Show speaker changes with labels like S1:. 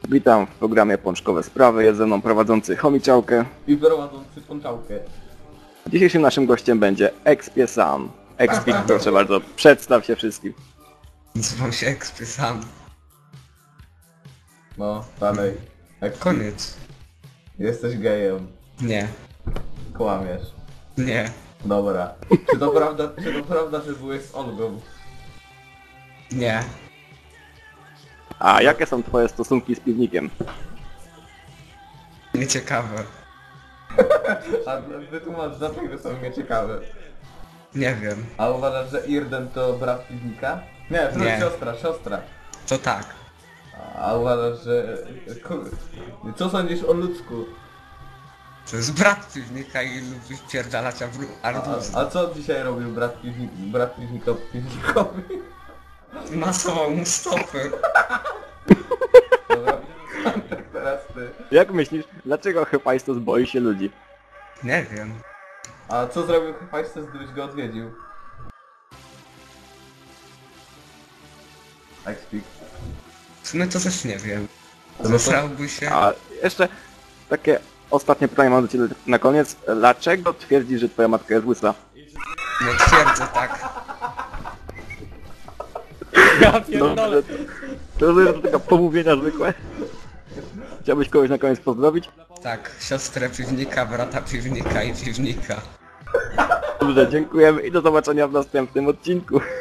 S1: Witam w programie Pączkowe Sprawy, jest ze mną prowadzący Chomiczałkę.
S2: I prowadzący Pączałkę.
S1: Dzisiejszym naszym gościem będzie Expie Sam. Expie, proszę bardzo, przedstaw się wszystkim.
S3: Nazywam się Expie Sam.
S2: No, dalej.
S3: Koniec.
S2: Jesteś gejem.
S3: Nie.
S2: Kłamiesz.
S3: Nie.
S2: Dobra. Czy to prawda, że byłeś z Olgą?
S3: Nie.
S1: A jakie są twoje stosunki z piwnikiem?
S3: Nieciekawe.
S2: A wytłumacz, dlaczego są nieciekawe.
S3: Nie wiem.
S2: A uważasz, że Irden to brat piwnika? Nie, to
S3: Nie.
S2: siostra.
S3: To tak.
S2: A uważasz, że... Co sądzisz o ludzku?
S3: To jest brat piwnika i lubi wpierdalać arbuzy.
S2: A co dzisiaj robił brat piwnikowi?
S3: Masował mu stopy.
S2: Dobra, tak teraz ty.
S1: Jak myślisz, dlaczego Hephaistos boi się ludzi?
S3: Nie wiem.
S2: A co zrobił Hephaistos, gdybyś go odwiedził? I speak.
S3: W sumie to też nie wiem.
S2: No to-
S3: Zesrałby się.
S1: A jeszcze takie ostatnie pytanie mam do ciebie na koniec. Dlaczego twierdzisz, że twoja matka jest łysa?
S3: Nie twierdzę tak.
S2: Ja
S1: Dobrze, to jest taka pomówienia zwykłe. Chciałbyś kogoś na koniec pozdrowić?
S3: Tak. Siostrę piwnika, brata piwnika i piwnika.
S1: Dobrze, dziękujemy i do zobaczenia w następnym odcinku.